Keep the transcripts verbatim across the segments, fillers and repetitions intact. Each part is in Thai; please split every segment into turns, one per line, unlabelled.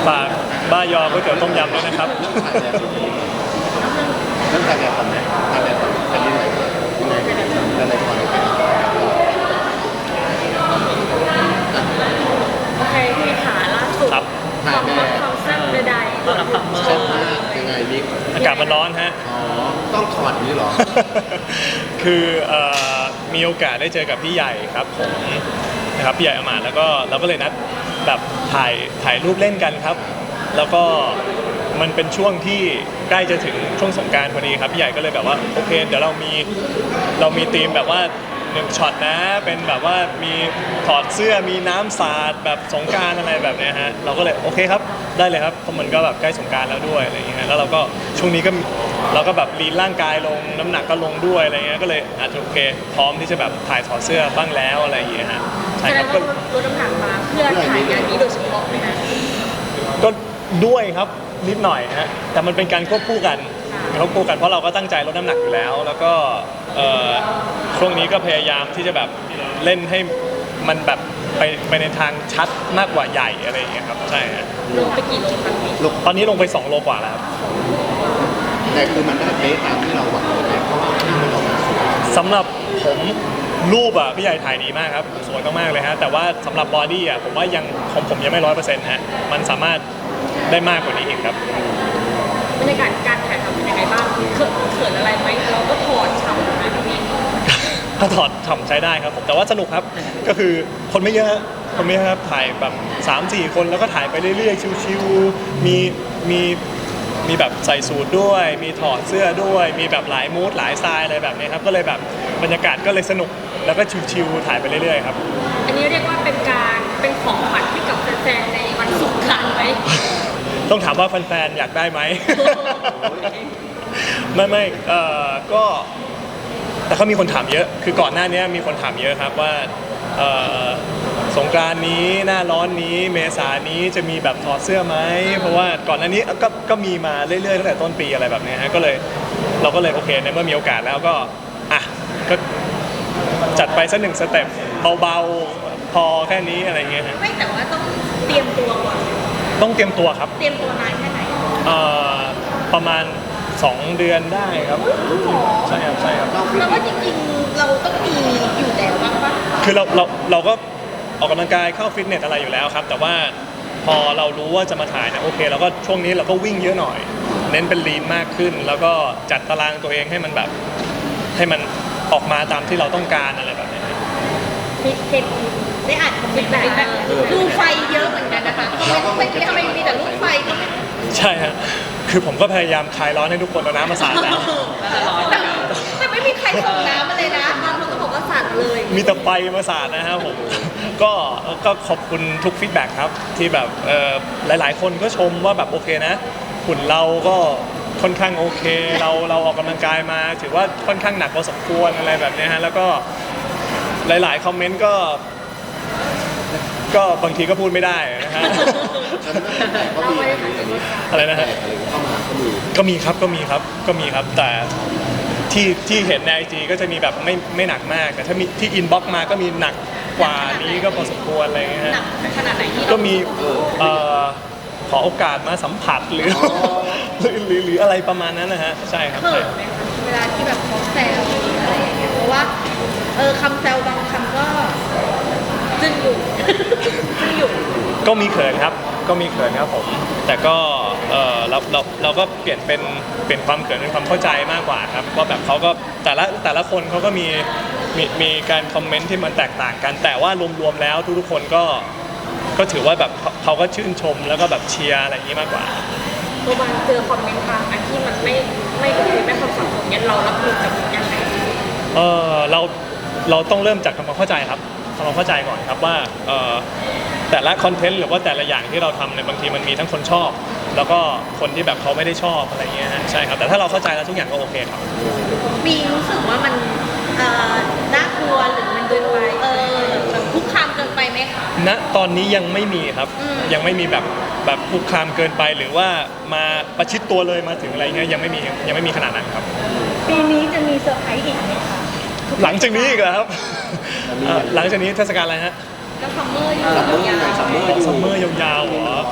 ฝากบ้ายอก๋วยเตี๋ยวต้มยำด้วยนะครับ
เรื่องการเรียนก่อนไหมการเรียนก่อนการเรียนไหนยังไงการเรียนก่อน
โอเคพี่ขาล่าสุดความรักความแซ่บใดๆความรักความเมื่อ
ใช่มากยังไงบิ๊ก
อากาศมันร้อนฮะ
อ๋อต้องถอดนี้หรอ
คือมีโอกาสได้เจอกับพี่ใหญ่ครับผมนะครับพี่ใหญ่อมาตย์แล้วก็เราก็เลยนัดแบบถ่ายถ่ายรูปเล่นกันครับแล้วก็มันเป็นช่วงที่ใกล้จะถึงช่วงสงกรานต์พอดีครับพี่ใหญ่ก็เลยแบบว่าโอเคเดี๋ยวเรามีเรามีธีมแบบว่าหนึ่งช็อตนะเป็นแบบว่ามีถอดเสื้อมีน้ำสาดแบบสงกรานต์อะไรแบบนี้ฮะเราก็เลยโอเคครับได้เลยครับเพราะมันก็แบบใกล้สงกรานต์แล้วด้วยอะไรอย่างเงี้ยแล้วเราก็ช่วงนี้ก็เราก็แบบลีนร่างกายลงน้ำหนักก็ลงด้วยอะไรเงี้ยก็เลยอาจจะโอเคพร้อมที่จะแบบถ่ายถอดเสื้อบ้างแล้วอะไรอย่างเงี้ยฮะ
ใช่ครับก็ลดน้ำหนักมาเพื่อถ่ายงานนี้โดยเฉพาะไหมนะ
ก็ด้วยครับนิดหน่อยฮะแต่มันเป็นการควบคู่กันควบคู่กันเพราะเราก็ตั้งใจลดน้ำหนักอยู่แล้วแล้วก็ช่วงนี้ก็พยายามที่จะแบบเล่นให้มันแบบไปไปในทางชัดมากกว่าใหญ่อะไรอย่างเงี้ยครับใช่ฮะ
ลงไปกี่โลครับพี่
ตอนนี้ลงไปสองโลกว่าแล้ว
แต่คือมันได้เป๊ะตามที่เราหวังเลยเพราะว่าที่มันออกมาสวย
สำหรับผมรูปอ่ะพี่ใหญ่ถ่ายดีมากครับสวยมากๆเลยฮะแต่ว่าสำหรับบอดี้อ่ะผมว่ายังของผมยังไม่ร้อยเปอร์เซ็นต์ฮะมันสามารถได้มากกว่านี้อีกครับ
บรรยากาศการถ่ายทำเป็นยังไงบ้างเขินเขินอะไรไหมเราก็ถอดฉ่ำนะพี่
ก็ถอดฉ่ำใช้ได้ครับผมแต่ว่าสนุกครับก็คือคนไม่เยอะคนไม่เยอะครับถ่ายแบบ สามสี่ คนแล้วก็ถ่ายไปเรื่อยๆชิวๆมีมีมีแบบใส่สูทด้วยมีถอดเสื้อด้วยมีแบบหลายมูดหลายสไตล์อะไรแบบนี้ครับก็เลยแบบบรรยากาศก็เลยสนุกแล้วก็ชิวๆถ่ายไปเรื่อยๆครับ
อันนี้เรียกว่าเป็นการเป็นของขวัญให้กับแฟนๆในวันสงกรานต์ไหม
ต้องถามว่าแฟนๆอยากได้ไหม ไม่ไม่เอ่อก็แต่เขามีคนถามเยอะคือก่อนหน้านี้มีคนถามเยอะครับว่าสงกรานต์นี้หน้าร้อนนี้เมษานี้จะมีแบบถอดเสื้อไหมเพราะว่าก่อนหน้านี้ก็ก็มีมาเรื่อยๆตั้งแต่ต้นปีอะไรแบบนี้ฮะก็เลยเราก็เลยโอเคในเมื่อมีโอกาสแล้วก็อ่ะก็จัดไปสักหนึ่งสเต็ปเบาๆพอแค่นี้อะไรเงี้ยฮะ
ไม่แต่ว่าต้องเตรียมตัวก่อน
ต้องเตรียมตัวครับ
เตรียมตัวนานแค่ไหน
เอ่อประมาณสองเดือนได้ครับใช่ครับใช่ครับ
แล้วว่าจริงๆเราต้องมีอยู่แล้วบ้างปะ
คือเราเราเราก็ออกกำลังกายเข้าฟิตเนสอะไรอยู่แล้วครับแต่ว่าพอเรารู้ว่าจะมาถ่ายนะโอเคเราก็ช่วงนี้เราก็วิ่งเยอะหน่อยเน้นเป็นลีนมากขึ้นแล้วก็จัดตารางตัวเองให้มันแบบให้มันออกมาตามที่เราต้องการอะไรแบบนี้
ฟิตเนสได้อ่านคอมเมนต์แบบดูไฟเยอะเหมือนกันนะคะคอมเมนต์ทำไมมีแต่รูปไฟก็ไม่
ใช่ฮะคือผมก็พยายามคลายร้อนให้ทุกคนเอาน้ำมาสาดแล้ว
แต่ไม่มีใครส่งน้ำมาเลยนะบางคนก็บอกว่าสาดเลย
มีแต่ไฟมาสาดนะครับผมก็ก็ขอบคุณทุกฟีดแบ็กครับที่แบบหลายๆคนก็ชมว่าแบบโอเคนะหุ่นเราก็ค่อนข้างโอเคเราเราออกกำลังกายมาถือว่าค่อนข้างหนักพอสมควรอะไรแบบนี้ฮะแล้วก็หลายๆคอมเมนต์ก็ก็บางทีก็พูดไม่ได้นะฮะอะไรนะฮะก็มีครับก็มีครับก็มีครับแต่ที่ที่เห็นในไอจีก็จะมีแบบไม่ไม่หนักมากแต่ถ้ามีที่อินบ็อกซ์มาก็มีหนักกว่านี้ก็พอสมควรอะไรเงี้ยฮะ
ขนาดไหนที่
ก็มีขอโอกาสมาสัมผัสหรือหรือหรืออะไรประมาณนั้นนะฮะใช่ครับ
เขินไหมคะเวลาที่แบบเขาแซวอะไรอย่างเงี้ยเพราะว่าเออคำแซวบางคำก็จึ้งอยู่จึ้งอยู่
ก็มีเขินครับก็มีเขินครับผมแต่ก็เออเราเราเราก็เปลี่ยนเป็นเป็นความเขินเป็นความเข้าใจมากกว่าครับว่าแบบเขาก็แต่ละแต่ละคนเขาก็มีมีมีการคอมเมนต์ที่มันแตกต่างกันแต่ว่ารวมๆแล้วทุกๆคนก็ก็ถือว่าแบบเขาก็ชื่นชมแล้วก็แบบเชียร์อะไรอย่างนี้มากกว่า
ตัวบางเจอคอมเมนต์บางอันที่มันไม่ไม่โอเคไม่ความสัมพันธ์เนี่ยเรารับมือกับยังไง
เออเราเราต้องเริ่มจากทำความเข้าใจครับทำความเข้าใจก่อนครับว่าเออแต่ละคอนเทนต์หรือว่าแต่ละอย่างที่เราทำเนี่ยบางทีมันมีทั้งคนชอบแล้วก็คนที่แบบเขาไม่ได้ชอบอะไรเงี้ยฮะใช่ครับแต่ถ้าเราเข้าใจแล้วทุกอย่างก็โอเคครับ
มีรู้สึกว่ามันน่ากลัวหรือมันเกินไปเออแบบคุกคามเกินไปไหมคะ
ณตอนนี้ยังไม่มีครับยังไม่มีแบบแบบคุกคามเกินไปหรือว่ามาประชิดตัวเลยมาถึงอะไรเงี้ยยังไม่มียังไม่มีขนาดนั้นครับ
ปีนี้จะมีเซอร์ไพรส์อีกไหมคะ
หลังจากนี้อีกแล้วครับหลังจากนี้เทศกาลอะไรฮะ
ก็ซัมเมอร์อยู่
ซัมเมอร์ซัมเมอร์
ซัมเมอร์ยาวๆเหรอ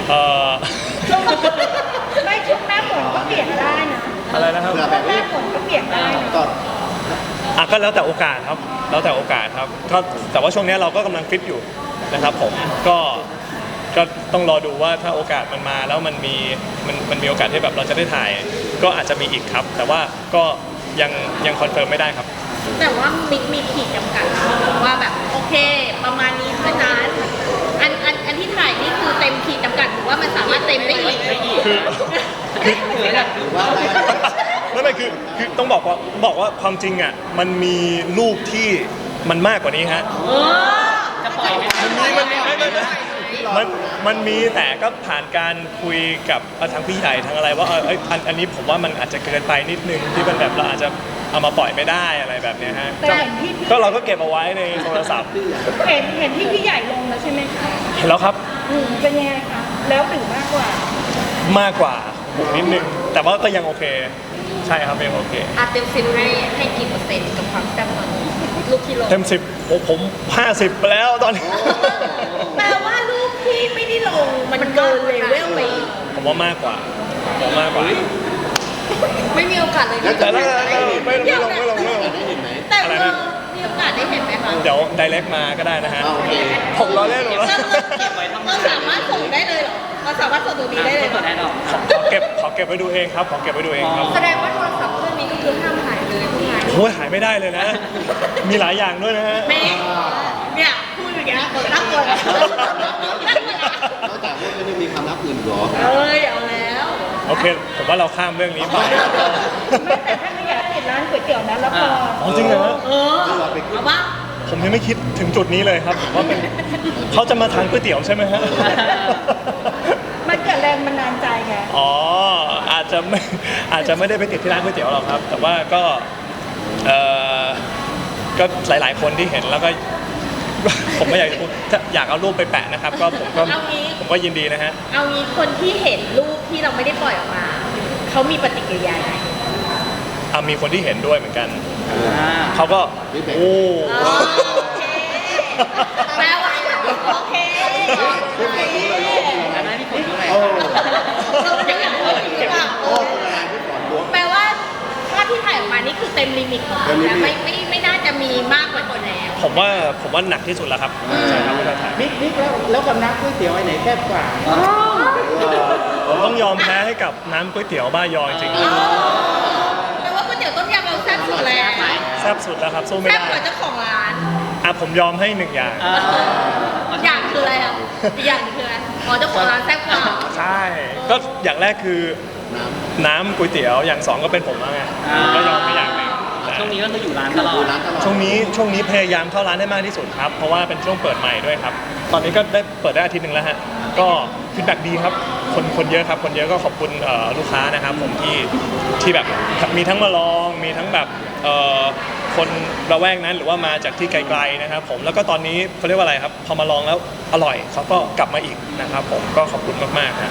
เอ่อ
ไม่ช่วงหน้าฝนก็เปลี่ยนได้นะ
อะไรนะครับ
เผื่อ
ช่วงหน้าฝนก็เปลี่ยนได้นะ
ก็
อ่ะก็แล้วแต่โอกาสครับแล้วแต่โอกาสครับก็แต่ว่าช่วงนี้เราก็กำลังฟิตอยู่นะครับผมก็ก็ต้องรอดูว่าถ้าโอกาสมันมาแล้วมันมีมันมันมีโอกาสที่แบบเราจะได้ถ่าย ก็อาจจะมีอีกครับ แต่ว่าก็ยังยังคอนเฟิร์มไม่ได้ครับ
แต่ว่ามิกมีขีดจำกัดว่าแบบโอเค ประมาณนี้เท่านั้นอันอันอันที่ถ่ายนี่คือเต็มขีดจำกัดหรือว่ามันสามารถเต็มได้อีก
คือ
หรือว่าได้
ไม่ไม่คือคือต้องบอกว่าบอกว่าความจริงอ่ะมันมีรูปที่มันมากกว่านี้ฮะ
เออ
จะปล่อยไหม
มันมีมันมีไม่ไม่ไม่มันมันมีแต่ก็ผ่านการคุยกับเอ่อทางพี่ใหญ่ทางอะไรว่าเออเอยอันอันนี้ผมว่ามันอาจจะเกินไปนิดนึงที่มันแบบเราอาจจะเอามาปล่อยไม่ได้อะไรแบบเนี้ยฮะ
แต่เห็นที่พี่
ก็เราก็เก็บเอาไว้ในโทรศัพท์
เห็นเห็นที่พี่ใหญ่ลงแล้วใช่ไหมคะ
เห็นแล้วครับ
อืมเป็นยังไงคะแล้วหรือมากกว่า
มากกว่าผมนิดนึงแต่ว่าก็ยังโอเค ใช่ครับยังโอเค
อาเต็มสิบให้ให้กี่เปอร์เซ็นต์กับความแซ่บตอนนี้ลูกที่ลง
เต็มสิบโอ้ผมห้าสิบไปแล้วตอนนี้
แปลว่าลูกที่ไม่ได้ลงมันเกินเลเวลไปอีก
ผมว่ามากกว่าผมมากกว่า
ไม่มีโอกาสเลย
แล้ว
แต่
จะ
ละ
ได้
ไม่ไม่ลงไม่ลงไม่ลง
ได้เห็นไหม
แต่
อะไร
เอ
นะ
อมีโอกาสได้เห็นไหมคะ
เดี๋ยวไดเรกมาก็ได้นะฮะ
อ่าโอเค
ผมรอเล่นผมรอ
เรา
เล่น
เราสามารถส่งได้เลยเหรอเราสามารถส่งตรงนี้ได้เลยเหร
เปิ
อ
ดแน่นอน
ขอขอเก็บขอเก็บไว้ดูเองครับขอเก็บไว้ดูเองครับ
แสดงว่าโทรศัพท์เครื่องนี้ก็คือห้ามหายเลยทุกงาน
โอ้ยหายไม่ได้เลยนะ มีหลายอย่างด้วยนะฮะ
แม่เนี่ยพูดอย่างเงี้ยเปิดรับก่อนนะ
นอกจากพวกนี้มีความลับอื่นเหรอ
เอ้ยเอาแล้ว
โอเค ผมว่าเราข้ามเรื่องนี้ไป
ไม่แต่ถ้าไม่อยากปิดร้านก๋วยเตี๋ยวนะแล้วพอ
อ๋อจริงเหรอฮะ
เออเอาบ้าง
ผมยังไม่คิดถึงจุดนี้เลยครับว่าเป็นเขาจะมาทานก๋วยเตี๋ยวใช่ไหมฮะ
มันเกิดแรงบันดาลใจไง
อ๋ออาจจะไม่อาจจะไม่ได้ไปติดที่ร้านก๋วยเตี๋ยวหรอกครับ แต่ว่าก็เออก็หลาย ๆ คนที่เห็นแล้วก็ ผมไม่อยากจะพูดถ้าอยากเอารูปไปแปะนะครับ ก็ผมก็
เอางี้
ผมก็ยินดีนะฮะ
เอางี้คนที่เห็นรูปที่เราไม่ได้ปล่อยออกมาเขามีปฏิกิริยาไง
อ่ะมีคนที่เห็นด้วยเหมือนกัน
อ่า
เขาก็โอ้
โอเคแปลว่าโอเคโอเค
อันนั้นพี่ฝนด้วย
โอ้
เราจะอยากพูดอย่างนี้ว่า
โอ้เป็นอะไรที่ก่อนล้วง
แปลว่าภาพที่ถ่ายออกมานี่คือเต็มลิมิตของ
เต็
เรา
มลิมิ
นะ
ต
ไม่ไม่ไม่น่าจะมีมากกว่านี้แล้ว
ผมว่าผมว่าหนักที่สุดแล้วครับใช่ครับไม่ได้ถ่าย
นิกนิกแล้วแล้วกับน้ำก๋วยเตี๋ยวไอ้ไหนแซ่บกว่า
ผมต้องยอมแพ้ให้กับน้ำก๋วยเตี๋ยวบ้ายอจริง
อ๋อแปลว่าก๋วยเตี๋ยวต้มยำเราแซ่บสุดแล้ว
ๆแซ่บสุดแล้วครับสู้ไม่
แซ่บ
ได้
กว่าเจ้าของร้าน
อ่ะผมยอมให้หนึ่งอย่าง
อ่า
อย่างคืออะไรอ่ะอีกอย่างคืออะไรอ๋อเจ้าของร้านแซ่บกว่า
ใช่ ก็อย่างแรกคือ
น้
น้ำก๋วยเตี๋ยวอย่างสองก็เป็นผมแล้วไงก็ยอมไปอย่างหนึ่ง
ช่วงนี้ก็คืออยู่ร้านตลอ
ำดู
ด
ร้านตลอด
ช่วงนี้ช่วงนี้พยายามเข้าร้านให้มากที่สุดครับ เพราะว่าเป็นช่วงเปิดใหม่ด้วยครับ ตอนนี้ก็ได้เปิดได้อาทิตย์หนึ่งแล้วฮะ ก็ฟีดแบ็กดีครับ คนคนเยอะครับ คนเยอะก็ขอบคุณเอ่อลูกค้านะครับผมที่ที่แบบมีทั้งมาลอง มีทั้งแบบเอ่อคนระแวกนั้นหรือว่ามาจากที่ไกลๆนะครับผม แล้วก็ตอนนี้เขาเรียกว่าอะไรครับ พอมาลองแล้วอร่อยเขาก็กลับมาอีกนะครับผม ก็ขอบคุณมากๆนะ